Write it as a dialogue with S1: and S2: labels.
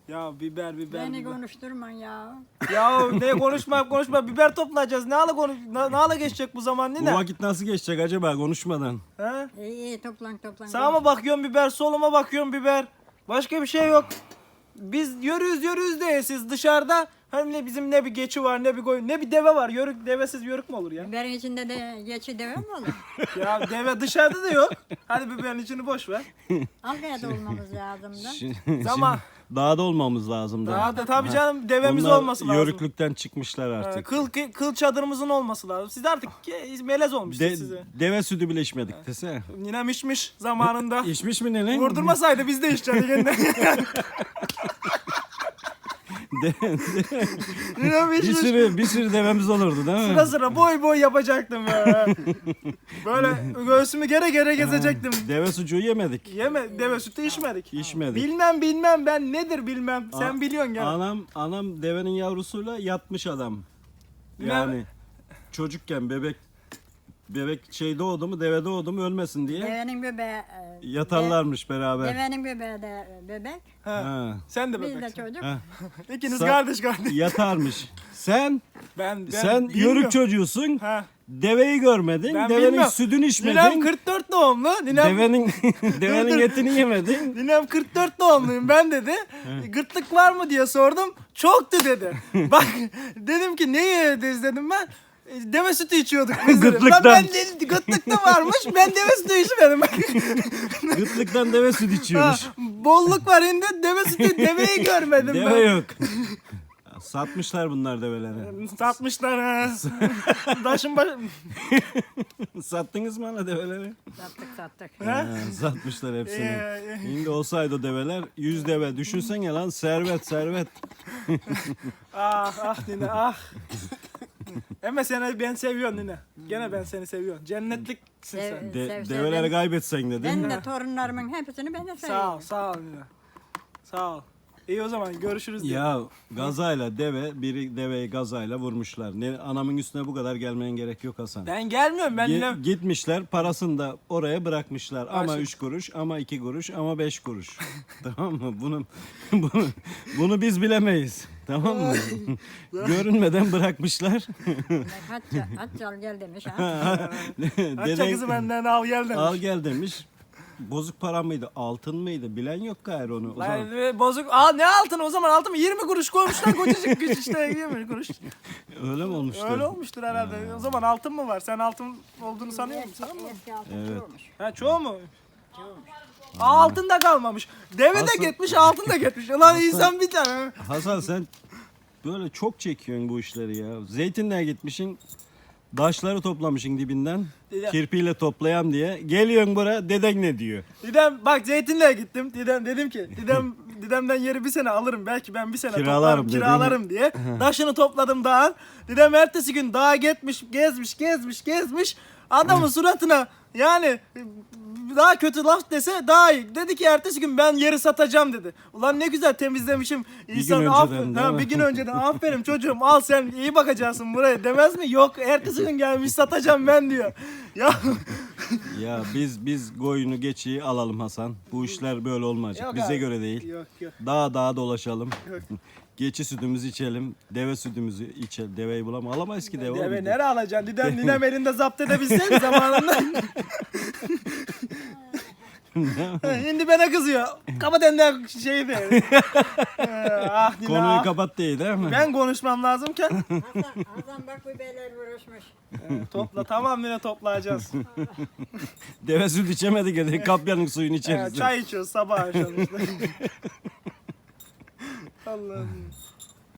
S1: Ya biber
S2: Beni
S1: biber.
S2: konuşturman ya.
S1: Ya ne konuşma biber toplayacağız. Ne ala geçecek bu zaman
S3: Bu
S1: nine?
S3: vakit nasıl geçecek acaba konuşmadan?
S1: He?
S2: İyi toplan.
S1: Sağıma bakıyorum biber, soluma bakıyorum biber. Başka bir şey yok. Biz yürüyüz de siz dışarıda hem ne bizim ne bir geçi var ne bir koyun ne bir deve var. Yörük devesiz yörük mü olur ya?
S2: Biberin içinde de geçi deve mi olur?
S1: Ya deve dışarıda da yok. Hadi biberin içini boş ver.
S2: Algaya olmamız lazım da.
S1: Zaman
S3: Dağda olmamız lazım da.
S1: daha da tabii canım devemiz
S3: Bunlar
S1: olması lazım.
S3: yörüklükten çıkmışlar artık.
S1: Kıl çadırımızın olması lazım. Siz artık melez olmuşsunuz size.
S3: Deve sütü bile içmedik desene.
S1: Ninem içmiş zamanında.
S3: İçmiş mi nene?
S1: Vurdurmasaydı biz de içeceğiz yeniden. Ninem
S3: bir
S1: içmiş.
S3: sürü devemiz olurdu değil mi?
S1: Sıra sıra boy yapacaktım ya. Böyle göğsümü gere gezecektim.
S3: Deve sucuğu yemedik.
S1: Deve sütü içmedik.
S3: İçmedik.
S1: Bilmem ben nedir bilmem. Sen biliyorsun gel.
S3: Anam devenin yavrusuyla yatmış adam. Yani çocukken bebek şey doğdu mu, deve doğdu mu ölmesin diye
S2: Devenin bebeği.
S3: yatarlarmış beraber.
S2: Devenin bebeği de bebek.
S3: Ha.
S1: Sen de
S2: Biz de
S1: bebeksin.
S2: çocuk.
S3: Ha.
S1: İkiniz
S3: Sa-
S1: kardeş.
S3: Yatarmış. Sen
S1: Ben
S3: sen
S1: bilmiyorum.
S3: yörük çocuğusun.
S1: Ha.
S3: Deveyi görmedin.
S1: Ben
S3: Devenin
S1: bilmiyorum.
S3: sütünü içmedin.
S1: Ninem 44 doğumlu.
S3: Devenin etini yemedin.
S1: Ninem 44 doğumluyum ben dedi. Gırtlık var mı diye sordum. Çoktu dedi. Bak dedim ki ne yediniz dedim ben. Deve sütü içiyorduk biz dedim.
S3: Gırtlıktan.
S1: Ben gırtlıkta varmış. Ben deve sütü içmedim.
S3: Gırtlıktan deve sütü
S1: Ha,
S3: içiyormuş.
S1: bolluk var indi. Deve sütü deveyi görmedim
S3: Deve
S1: ben.
S3: yok. Satmışlar bunlar develeri.
S1: Satmışlar ha. Taşın başı.
S3: Sattınız mı hala develeri?
S2: Sattık.
S3: Ha, satmışlar hepsini.
S1: Ee,
S3: Şimdi olsaydı o develer 100 deve. Düşünsene lan servet.
S1: Ah nine ah. Ama seni ben seviyorum nine. Gene ben seni seviyorum. Cennetliksin sen.
S3: Develeri kaybetsen de değil
S2: Ben
S3: mi?
S2: de torunlarımın hepsini ben de
S1: Sağ ol
S2: seviyorum.
S1: nine. Sağ ol. İyi o zaman görüşürüz diye.
S3: Ya gazayla biri deveyi gazayla vurmuşlar. Anamın üstüne bu kadar gelmeyen gerek yok Hasan.
S1: Ben gelmiyorum ben nine.
S3: Gitmişler parasını da oraya bırakmışlar. Ama
S1: Başka-
S3: 3 kuruş, ama 2 kuruş, ama 5 kuruş. Tamam mı? Bunu biz bilemeyiz. Tamam mı? Görünmeden bırakmışlar.
S2: Haccal gel demiş ha.
S1: Açça kızı benden al gel demiş.
S3: Al gel demiş. Bozuk para mıydı, altın mıydı? Bilen yok gayrı onu. O zaman
S1: Lan, bozuk. Ne altını o zaman altın 20 kuruş koymuşlar kocacık güç işte 20 kuruş.
S3: öyle mi olmuştu?
S1: Öyle olmuştur herhalde. O zaman altın mı var? Sen altın olduğunu sanıyor musun?
S2: Eski altın
S3: Evet.
S2: olmuş.
S1: Ha çoğu mu? Altın da kalmamış. Deve de
S3: Asıl-
S1: gitmiş, altın da gitmiş. Ulan insan bir tane.
S3: Hasan sen böyle çok çekiyorsun bu işleri ya. Zeytinliğe gitmişsin. Daşları toplamışsın dibinden.
S1: Dedem.
S3: Kirpiyle toplayam diye. Geliyorsun buraya deden ne diyor?
S1: Dedem bak zeytinliğe gittim. Dedim ki dedemden yeri bir sene alırım. Belki ben bir sene
S3: Kiralarım
S1: toplarım,
S3: dedin.
S1: kiralarım diye. Taşını topladım dağın. Dedem ertesi gün dağa gitmiş, gezmiş. Adamın suratına yani daha kötü laf dese daha iyi. Dedi ki ertesi gün ben yeri satacağım dedi. Ulan ne güzel temizlemişim. İnsan
S3: gün
S1: aferin.
S3: önceden, değil mi?
S1: Bir gün önceden aferin çocuğum al sen iyi bakacaksın buraya demez mi? Yok ertesi gün gelmiş satacağım ben diyor. Ya
S3: Ya biz koyunu geçiyi alalım Hasan. Bu işler böyle olmayacak.
S1: Yok
S3: Bize
S1: abi.
S3: göre değil.
S1: Yok.
S3: Dağa dolaşalım.
S1: Yok.
S3: Geçi sütümüzü içelim. Deve sütümüzü içelim. Deveyi alamayız ki deve.
S1: Deve
S3: olmadı.
S1: nereye alacaksın? Ninem elinde zapt edebilseydi zamanında. Şimdi bana kızıyor. Kapat elinden şeyi de. Ah Nine
S3: Konuyu
S1: ah.
S3: kapat değil mi?
S1: Ben konuşmam lazımken.
S2: Hasan bak bu beyler vuruşmuş.
S1: Topla tamam Nine toplayacağız.
S3: Deve süt içemedik ya. Kapyanın suyunu içeriz.
S1: Çay içiyoruz sabah akşam işte. Allah'ım.